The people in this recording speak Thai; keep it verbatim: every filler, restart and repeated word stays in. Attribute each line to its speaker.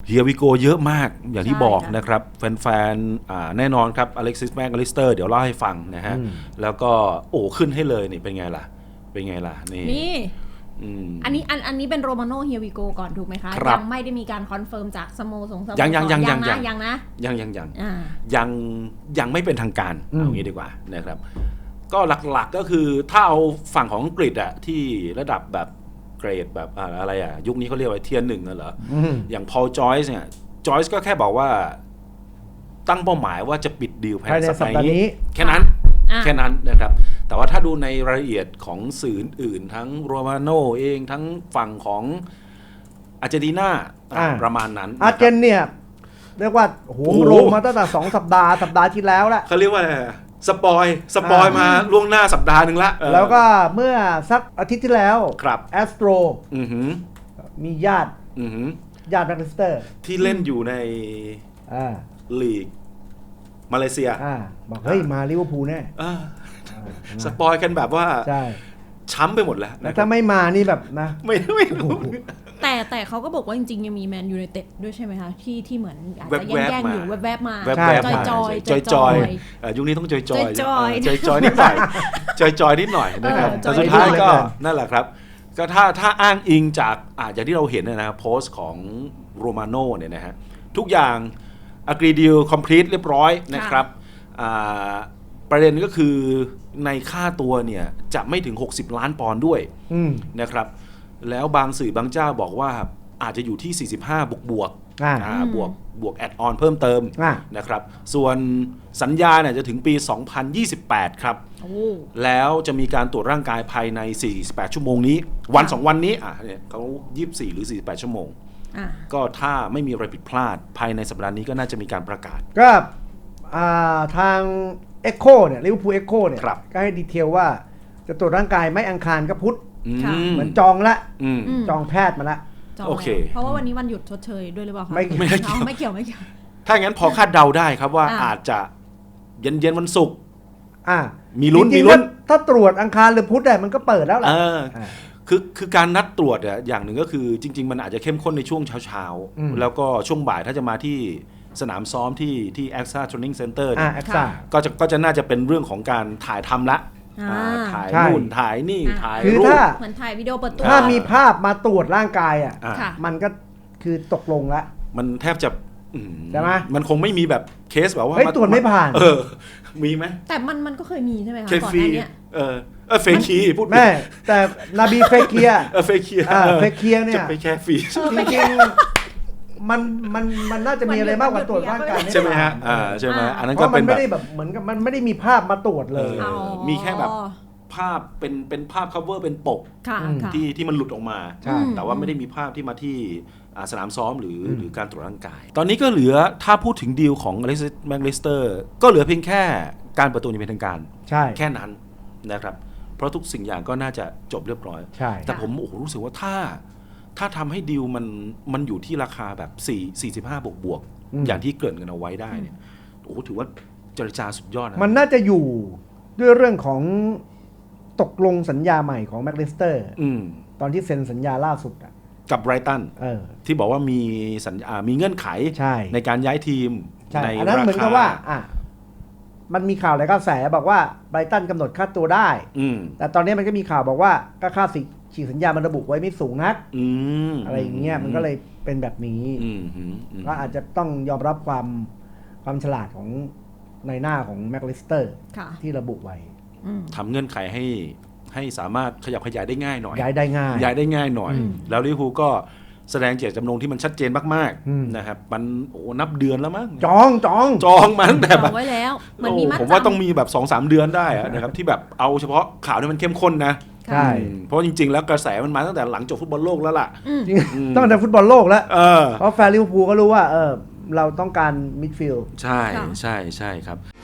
Speaker 1: เฮียวิโกเยอะมากอย่างที่บอกนะครับแฟนๆแน่นอนครับอเล็กซิสแมคอลิสเตอร์เดี๋ยวเล่าให้ฟังนะฮะแล้วก็โอ้ขึ้นให้เลยนี่เป็นไงล่ะเป็นไงล่ะนี่
Speaker 2: นี่อันนี้อันอันนี้เป็นโรมาโน่เฮียวิโกก่อนถูกไหมคะยังไม่ได้มีการคอนเฟิร์มจากสโมสร
Speaker 1: ยังยังยังยัง
Speaker 2: ยังยังนะ
Speaker 1: ยังยังยังยังยังไม่เป็นทางการเอางี้ดีกว่านะครับก็หลักๆก็คือถ้าเอาฝั่งของอังกฤษอะที่ระดับแบบเกรดแบบอะไรอะยุคนี้เขาเรียกว่าเทียร์หนึ่งเหรออย่างพอลจอยส์เนี่ยจอยส์ก็แค่บอกว่าตั้งเป้าหมายว่าจะปิดดีลภายในสัปดาห์นี้แค่นั้นแค่นั้นนะครับแต่ว่าถ้าดูในรายละเอียดของสื่ออื่นทั้งโรมาโน่เองทั้งฝั่งของอาร์เจนตินาประมาณนั้น
Speaker 3: อาร์เจนเนี่ยเรียกว่าโหโรมาตั้งแต่สองสัปดาห์สัปดาห์ที่แล้วแหละ
Speaker 1: เขาเรียกว่าอะไรสปอยสปอยมาล่วงหน้าสัปดาห์หนึ่งละ
Speaker 3: แล้วก็เมื่อสักอาทิตย์ที่แล้ว
Speaker 1: ครับ
Speaker 3: แอสโตรมีญาติญาติแมคลิสเตอร์
Speaker 1: ที่เล่นอยู่ในลีกมาเลเซีย
Speaker 3: บอกเฮ้ยมาลิเวอร์พูลแน่
Speaker 1: สปอยกันแบบว่าช้ำไปหมดแล้ว
Speaker 3: แต่ถ้าไม่มานี่แบบนะ
Speaker 1: ไม่ไม่รู้
Speaker 2: แต่แต่เขาก็บอกว่าจริงๆยังมีแมนยูไนเต็ดด้วยใช่ไหมคะที่ที่เหมือนอาจจะแย่งๆอยู่แวบๆมาจอยจอย
Speaker 1: จอยจอยยุคนี้ต้องจอยจอยจอยจอยนิดหน่อยจอยจอยนิดหน่อยนะครับแต่สุดท้ายก็นั่นแหละครับก็ถ้าถ้าอ้างอิงจากอาจจะที่เราเห็นนะโพสต์ของโรมาโน่เนี่ยนะฮะทุกอย่างagree deal complete เรียบร้อยนะครับประเด็นก็คือในค่าตัวเนี่ยจะไม่ถึงหกสิบล้านปอนด์ด้วยนะครับแล้วบางสื่อบางเจ้าบอกว่าอาจจะอยู่ที่สี่สิบห้าบวกบวกบวกบวกแอดออนเพิ่มเติมนะครับส่วนสัญญาเนี่ยจะถึงปีสองพันยี่สิบแปดครับแล้วจะมีการตรวจร่างกายภายในสี่สิบแปดชั่วโมงนี้วันสองวันนี้อ่ะเนี่ยเขายี่สิบสี่หรือสี่สิบแปดชั่วโมงก็ถ้าไม่มีอะไรผิดพลาดภายในสัปดาห์นี้ก็น่าจะมีการประกาศ
Speaker 3: ก็ทางเอ็กโคเนี่ยลิเวอร์พูลเอ็กโคเนี่ยก็ให้ดีเทลว่าจะตรวจร่างกายไม่อังคารก็พุธเหมือนจองละจองแพทย์มาละ
Speaker 1: โอเค
Speaker 2: เพราะว่าวันนี้วันหยุดชดเชยด้วยหรือเปล่าคะ
Speaker 3: ไม่
Speaker 2: ไม่เกี่ยวไม่เกี่ยวไม่เกี่ยว
Speaker 1: ถ้างั้นพอคาดเดาได้ครับว่าอาจจะเย็นเย็นวันศุกร์มีลุ้นมีลุ้น
Speaker 3: ถ้าตรวจอังคารหรือพุธเนี่ยมันก็เปิดแล้วแหละ
Speaker 1: คือคือการนัดตรวจอย่างหนึ่งก็คือจริงๆมันอาจจะเข้มข้นในช่วงเช้าๆแล้วก็ช่วงบ่ายถ้าจะมาที่สนามซ้อมที่ที่ เอ็กซ่า Training Center เนี่ยก็จะก็จะน่าจะเป็นเรื่องของการถ่ายทำละถ่ายนู่นถ่ายนี่ถ่ายรูป
Speaker 2: เหมือนถ่ายวิดีโอเปิดตัว
Speaker 3: ถ้ามีภาพมาตรวจร่างกายอ่ะมันก็คือตกลงละ
Speaker 1: มันแทบจะ
Speaker 3: ใช่ไหม
Speaker 1: มันคงไม่มีแบบเคสแบบว่า
Speaker 3: ตรวจไม่ผ่าน
Speaker 1: เออมีไหม
Speaker 2: แต่มันมันก็เคยมีใช่ไหมคะก่อนหน้านี้
Speaker 1: เออเออเฟคีพูด
Speaker 3: แม่แต่นาบีเฟเคีย
Speaker 1: เออเฟคี
Speaker 3: เฟเคียเนี่ย
Speaker 1: จะไปแค่ฟรี
Speaker 3: จริงมันมันมันน่าจะมีอะไรมากกว่าตรวจร่างกาย
Speaker 1: ใช่ไหมฮะอ่าใช่ไหมอันนั้น
Speaker 3: ก็
Speaker 1: เป็น
Speaker 3: แบบไม่ได้แบบเหมือนกับมันไม่ได้มีภาพมาตรวจเลย
Speaker 1: มีแค่แบบภาพเป็นเป็นภาพ cover เป็นปกที่ที่มันหลุดออกมาแต่ว่าไม่ได้มีภาพที่มาที่สนามซ้อมหรือหรือการตรวจร่างกายตอนนี้ก็เหลือถ้าพูดถึงดีลของอเล็กซิส แมคลิสเตอร์ก็เหลือเพียงแค่การเปิดตัวอย่างเป็นทางการแค่นั้นนะครับเพราะทุกสิ่งอย่างก็น่าจะจบเรียบร้อยแต่ผมโอ้โหรู้สึกว่าถ้าถ้าทำให้ดีลมันมันอยู่ที่ราคาแบบ4 สี่สิบห้าบวกบวกอย่างที่เกริ่นกันเอาไว้ได้เนี่ยโอ้โหถือว่าเจรจาสุดยอดนะ
Speaker 3: มันน่าจะอยู่ด้วยเรื่องของตกลงสัญญาใหม่ของแมคลิสเตอร์ตอนที่เซ็นสัญญาล่าสุดอ่ะ
Speaker 1: กับไบรตันที่บอกว่ามีสัญญามีเงื่อนไขใในการย้ายทีม
Speaker 3: ในราคาอันนั้นเหมือนกับว่าอ่ะมันมีข่าวหลายกระแสบอกว่าไบรตันกำหนดค่าตัวได้แต่ตอนนี้มันก็มีข่าวบอกว่าก็ค่าฉีกสัญญามันระบุไว้ไม่สูงนักอะไรอย่างเงี้ยมันก็เลยเป็นแบบนี้ก็อาจจะต้องยอมรับความความฉลาดของในหน้าของแมคลิสเตอร์ที่ระบุไว้
Speaker 1: ทำเงื่อนไขให้ให้สามารถขยับขยายได้ง่ายหน่อย
Speaker 3: ย้ายได้ง่าย
Speaker 1: ย้ายได้ง่ายหน่อยแล้วลิเวอร์พูลก็แสดงเจตจำนงที่มันชัดเจนมากๆนะครับมันโอ้นับเดือนแล้วมั้ง
Speaker 3: จองจอง
Speaker 1: จองมาตั้งแต่
Speaker 2: แบบไว้แล้วมันมี
Speaker 1: ผมว่าต้องมีแบบ สองสาม เดือนได้นะครับที่แบบเอาเฉพาะข่าวที่มันเข้มข้นนะ
Speaker 3: ใช่
Speaker 1: เพราะจริงๆแล้วกระแสมันมาตั้งแต่หลังจบฟุตบอลโลกแล้วล่ะ
Speaker 3: ตั้งแต่ฟุตบอลโลกแล้วเพราะแฟนลิเวอร์พูลก็รู้ว่าเออเราต้องการมิดฟิลด์
Speaker 1: ใช่ใช่ใช่ครับ